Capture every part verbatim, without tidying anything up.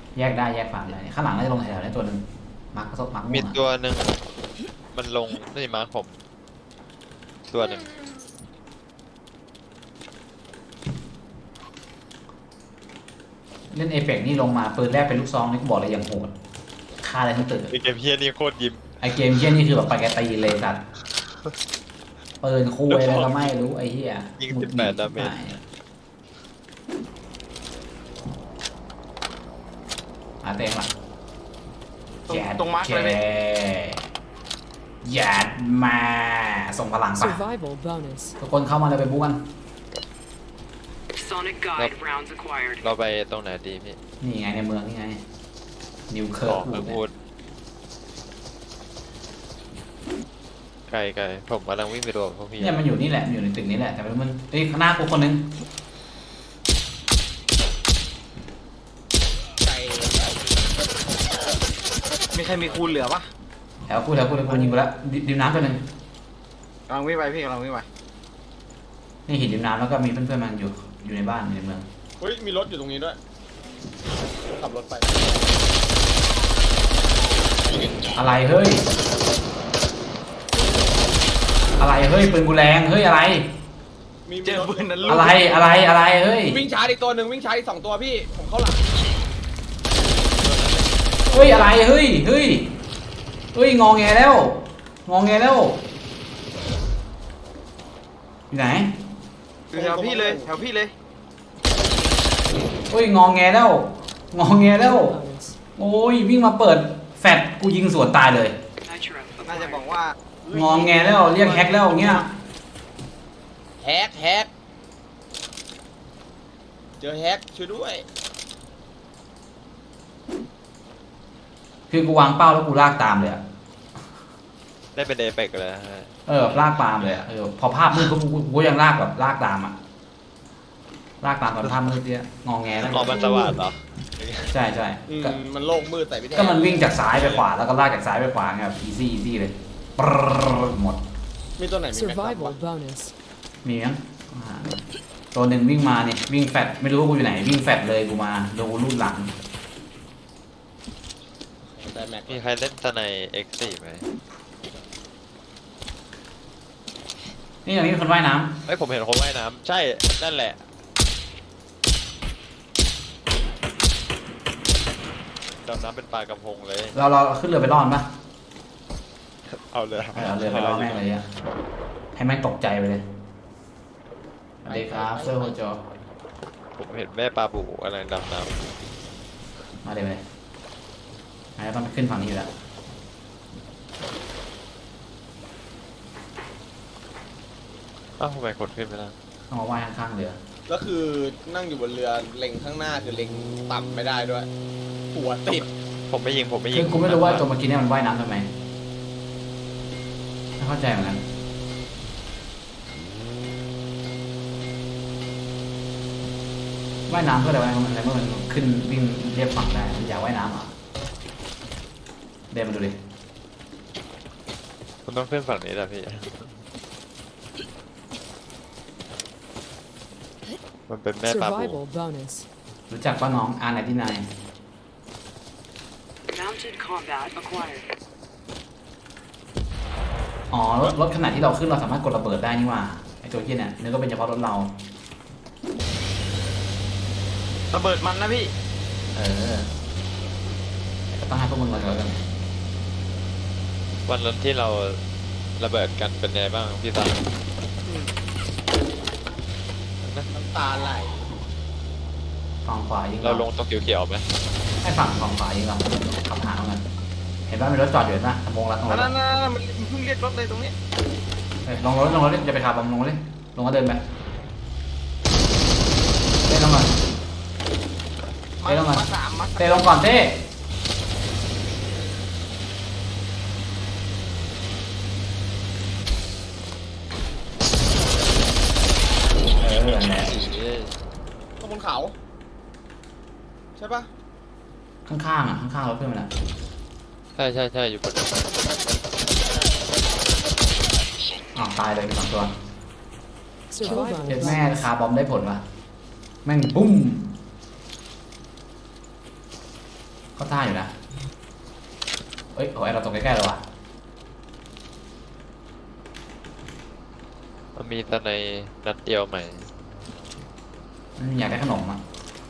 แยกได้แยกฝั่งได้ข้างหลังน่าจะลงแถวๆนี้ตัวหนึ่งมาร์คซบมาร์คม่มีวงอะตัวหนึ่งมันลงนี่มาผมตัวหนึ่งเล่นเอเปกนี่ลงมาปืนแรกเป็นลูกซองนี่กูบอกเลยอย่างโหดฆ่าอะไรทั้งตึกไอเกมเฮียนี่โคตรยิ้มไอเกมเฮี้ยนี่คือแบบไปแกตีเลยสัตว์ปืนคุยอะไรก็ไม่รู้ไอเฮี้ยยิงสิบแปดดาเมจอาเต็งละตรงแยดตรงมาร์คเลยแยดมาส่งพลังไป Survival bonus. ทุกคนเข้ามาเลยไปบุกกัน Sonic guide rounds acquired. เราไปตรงไหนดีพี่นี่ไงในเมืองนี่ไงนิวเคิขร์อกเมืองพูดไกลไกลผมกำลังวิ่งไปดูพวกพี่เนี่ยมันอยู่นี่แหละมันอยู่ในตึกนี้แหละแต่ไม่รู้มันเอ้ยข้างหน้ากูคนนึงใจมีใครมีคูณเหลือปะแถวกูแถวกูแถวกูยิงกูแล้วดิดิมน้ำตัวหนึ่งกำลังวิ่งไปพี่กำลังวิ่งไปนี่หินดิมน้ำแล้วก็มีเพื่อนๆมันอยู่อยู่ในบ้านอยู่ในเมืองเฮ้ยมีรถอยู่ตรงนี้ด้วยขับรถไปอะไรเฮ้ยอะไรเฮ้ยปืนกูแรงเฮ้ยอะไรมีเจอปืนนั้นลูกอะไรอะไรอะไรเฮ้ยวิ่งชาร์จอีกตัวหนึ่งวิ่งชาร์จอีกสองตัวพี่ผมเข้าหลังเฮ้ยอะไรเฮ้ยเฮ้ยเฮ้ยงอแงแล้วงอแงแล้วอยู่ไหนอยู่แถวพี่เลยแถวพี่เลยเฮ้ยงอแงแล้วงอแงแล้ว Bonus. โอ้ยวิ่งมาเปิดแฟดกูยิงสวนตายเลย Nitro น่าจะ acquired. บอกว่างอแงแล้วเรียกแฮกแล้วอย่างเงี้ยแฮกแฮกเจอแฮกช่วยด้วยคือกูวางเป้าแล้วกูลากตามเลยอะได้เป็นเอเปกเลยฮะเออแบบลากตามเลยอะเออพอภาพมืดกูกูกูยังลากแบบลากตามอะลากตามตอนภาพมืดเนี่ยงอแงแล้วออกมันสว่างเหรอใช่ใช่อืมก็มันโล่งมืดใส่พี่แทนก็มันวิ่งจากซ้ายไปขวาแล้วก็ลากจากซ้ายไปขวาไงแบบ easy easy เลยปรรหมดมีตัวไหนมีแม็กซ์ Survival ปะ bonus. มีมั้งอ่าตัวหนึ่งวิ่งมาเนี่ยวิ่งแฟดไม่รู้ว่ากูอยู่ไหนวิ่งแฟดเลยกูมาโดนกูลูดหลังแต่แม็กซ์มีใครเล่นตะใน เอ็กซ์ โฟร์ ไหมนี่อย่างนี้มีคนว่ายน้เฮ้ยผมเห็นคนว่ายน้ำใช่นั่นแหละดำน้ำเป็นปลากระพงเลยำเราเราขึ้นเรือไปรอดปะเอาเลยเอาเรือไปรอดแม่งเลยอะให้แม่งตกใจไปเลยสวัสดีครับเซอร์โฮโจผมเห็นแม่ปลาบูอะไรดำน้มาเลยไปเลยอันนี้ต้องขึ้นฝั่งนี้อยู่แล้วำอ้าวทำไมคนขึ้นไม่ได้ต้องมาว่ายข้างๆเรือแล้วคือนั่งอยู่บนเรือเล็งข้างหน้าคือเล็งต่ำไม่ได้ด้วย หัวติดผมไม่ยิงผมไม่ยิคืงอกูไม่รู้ว่าตัวเมื่อกี้เนี่ยมันว่ายน้ำทำไมไม่เข้าใจเหมือนกันว่ายน้ำเพื่ออะไรวะมันอะไรเมื่อมันขึ้นวิ่งเรียบฝั่งได้มันอยากว่ายน้ำเหรอเดินมาดูดิคุณต้องขึ้นฝั่งนี้แหละพี่มันเป็นแม่ปลาบู Survival bonus. รู้จักป้าน้องอาร์ไนที่นาย Mounted combat acquired. อ๋อรถรถขนาดที่เราขึ้นเราสามารถกดระเบิดได้นี่หว่าไอตัวเหี้ยเนี่ยนึกว่าเป็นเฉพาะรถเราระเบิดมันนะพี่เออก็ต้องให้พวกมึงมาแล้วกันวันนั้นที่เราระเบิดกันเป็นไงบ้างพี่ตาน้ำตาไหลฝั่งขวายิงเราลงตรงเขียวๆไหมให้ฝั่งฝั่งขวายิงเราขับหาเอากันเห็นป่ะมีรถจอดอยู่เห็นป่ะสมองละตรงรนั่ถนนั่นมันเพิ่งเรียกรถเลยตรงนี้เฮ้ยลงรถลงรถจะไปขับลงรถเลยลงก็เดินไปเต้ลงก่อนมาเต้ลงก่อนมาสามมาสามเต้ลงก่อนเต้เออนั่นแหละข้างบนเขาใช่ปะข้างๆอ่ะข้างๆรถเพื่อนมันอ่ะใช่ใช่ใช่อยู่บนอ้าวตายเลยสองตัว Survival เจ็ดแม่ bonus. คาร์บอมได้ผลว่ะแม่งปุ้มก็ท่าอยู่นะเอ้ยโอ้ยเราตกใกล้ๆแล้ววะมันมีแต่ในนัดเดียวใหม่อืมอยากได้ขนมอ่ะ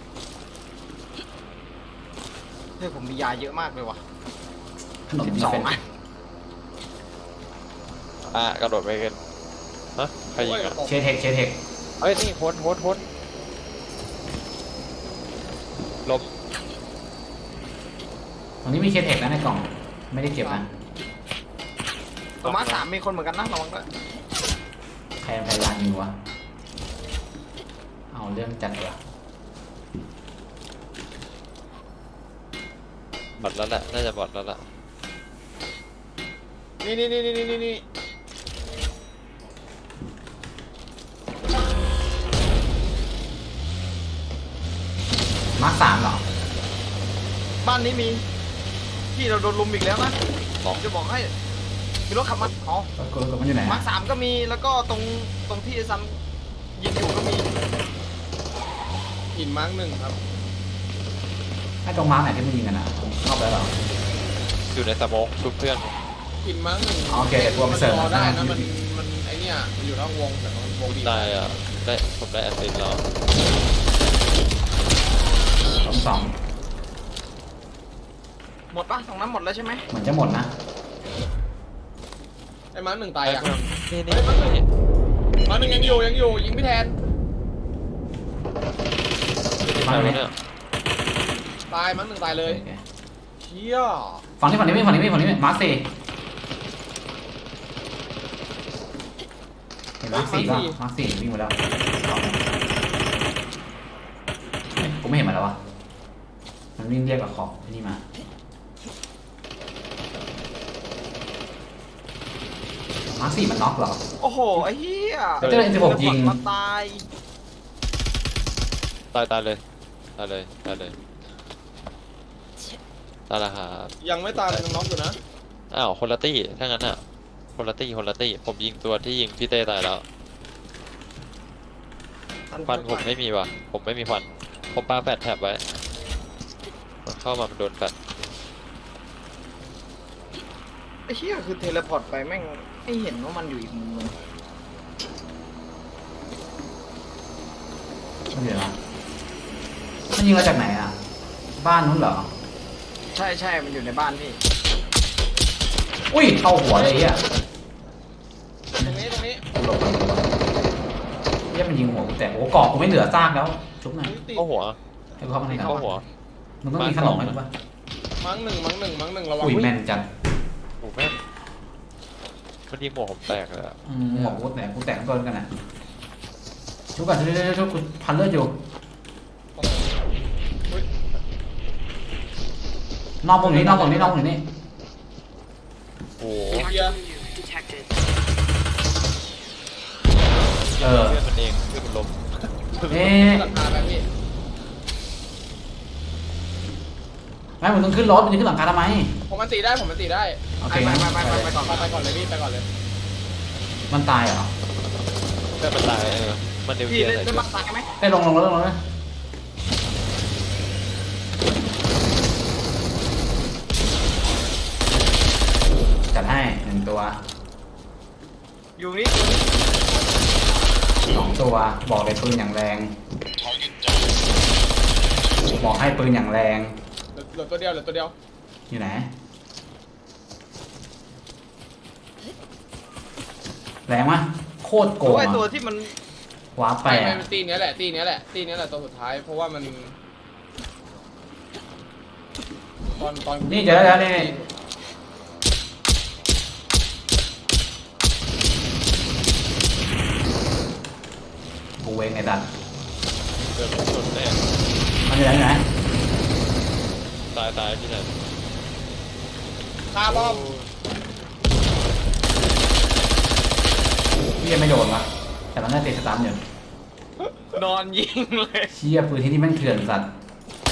เฮ้ยผมมียาเยอะมากเลยว่ะขนมสิบมีสองเป็นอันอ่ะกระโดดไปกันฮะใครยิงอ่ะเชเทคเชเทคเอ้ยนี่โคนโคนโคนลบตรงนี้มีเชเทคนะในกล่องไม่ได้เก็บนะตัวมาร์คสามมีคนเหมือนกันนะระวังด้วยใครพยายามยิงวะเอาเรื่องจัดวะบอดแล้วแหละน่าจะบอดแล้วล่ะนี่นี่นี่นี่นี่นี่มาร์คสามเหรอบ้านนี้มีพี่เราโดนลุมอีกแล้วนะสองจะบอกให้มีรถขับมาอ๋อกดกดมันอยู่ไหนมาร์อะคสามก็มีแล้วก็ตรงตรงที่ไอ้ซัมยิงอยู่ก็มีหินมาร์กหนึ่งครับให้ตรงมาร์คไหนที่มันยิงกันอ่ะเข้าไปแล้วเหรออยู่ในสโมกชุบเพื่อนหินมาร์กหนึ่งโอเคเดี๋ยวกูเอาไปเสิร์ฟมันรอได้นะนะมันมันไอเนี่ยมันอยู่นอกวงแต่มันวงดีได้อ่ะได้ผมได้แอสซิสต์แล้วสองสองหมดปะตรงนั้นหมดแล้วใช่ไหมเหมือนจะหมดนะไอ้มาร์กหนึ่งตายยังนี่นี่เฮ้ยมาร์กหนึ่งมาร์กหนึ่งยังอยู่ยังอยู่ยิงไม่แทนใครวะเนี่ยตายมาร์กหนึ่งตายเลยโอเคเชี่ยฝั่งนี้ฝั่งนี้ไม่ฝั่งนี้ไม่ฝั่งนี้ไม่มาร์คสี่เห็นมาร์คสี่ป่ะมาร์คสี่วิ่งมาแล้วเฮ้ยกูไม่เห็นมันแล้ววะมันวิ่งเรียกกับขอบไอ้นี่มามาร์คสี่มันน็อกเหรอโอ้โหไอ้เหี้ยเจอ เอ็น สิบหก ยิงมาตายตายตายเลยตายเลยตายเลยตายละครับยังไม่ตายยังน็อกอยู่นะอ้าวคนละตี้ถ้างั้นอ่ะคนละตี้คนละตี้ผมยิงตัวที่ยิงพี่เต้ตายแล้วฟันผมไม่มีว่ะผมไม่มีฟันผมปาแฟดแท็บไว้มันเข้ามามันโดนแฟดไอ้เหี้ยคือเทเลพอร์ตไปแม่งไม่เห็นว่ามันอยู่อีกมุมนึงมันอยู่ไหนวะมันยิงมาจากไหนอ่ะ บ้านนู้นเหรอใช่ใช่มันอยู่ในบ้านพี่อุ้ยเข้าหัวเลยไอ่ะตรงนี้ตรงนี้กูหลบมันเรียกมันยิงหัวกูแต่โอ้กรอกกูไม่เหลือซากแล้ว ชุบหน่อยติดเข้าหัวให้กูเข้ามาในกรเข้าอบหัวมันต้องมีขนมไหมกูป่ะมาร์กหนึ่งมาร์กหนึ่งมาร์กหนึ่งระวังอุ้ยแม่นจัดโอ้แม่งมันยิงหัวผมแตกเลยอะอืมหัวกูแตกกูแตกต้นกันอ่ะชุบก่อนชุบชุบชุบชุบกูพันเลือดอยู่อุ๊ยนอกตรงนี้นอกตรงนี้นอกตรงนี้โอ้โห Marked enemy detected. เออเพื่อนมันเองเพื่อนมันล้มเอ๊ะหลังคาไปพี่ไม่มึงต้องขึ้นรถมึงจะขึ้นหลังคาทำไมผมมันตีได้ผมมันตีได้โอเคไปไปไปไปไปก่อนไปไปก่อนเลยพี่ไปก่อนเลยมันตายเหรอเพื่อนมันตายเออมันนิวเคพี่ลียร์เล่นใส่เล่นชุมาดตายไหมได้ลงลงรถลงรถนะจัดให้หนึ่งตัวอยู่นี่สองตัวบอกเลยปืนอย่างแรง บอกให้ปืนอย่างแรงเหลือเหลือตัวเดียวเหลือตัวเดียวอยู่ไหน แรงมะโคตรโกตัวงไอ้อะตัวที่มันว้าร์ปไปไม่ไม่อะมันตีเนี้ยแหละตีเนี้ยแหละตีเนี้ยแหละตัวสุดท้ายเพราะว่ามันตอนตอนนี่เจอแล้วนี่กูเวงไอ้ดันเดินชนแน่มันอยู่ไหนอยู่ไหนตายตายที่ไหนคาบอมพี่ยังไม่โดนวะแต่มันน่าติดสตาร์ทอยู่นอนยิงเลยเชี่ยปืนที่นี่แม่งเถื่อนสัตว์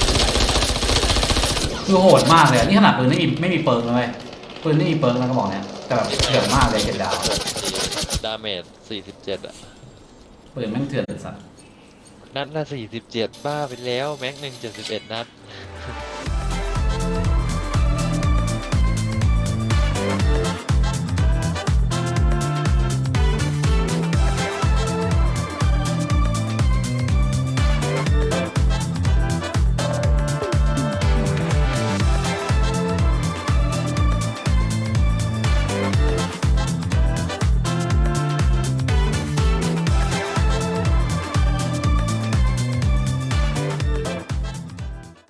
คือโหดมากเลยอะนี่ขนาดปืนไม่มีไม่มีเปิร์กเลยเว้ยปืนไม่มีเปิร์กนะก็บอกเนี่ยแต่แบบเถื่อนมากเลยเจ็ดดาวดาเมจสี่สิบเจ็ดอะปืนแม่งเถื่อนสัตว์นัดละสี่สิบเจ็ดบ้าไปแล้วแม็กหนึ่งเจ็ดสิบเอ็ดนัด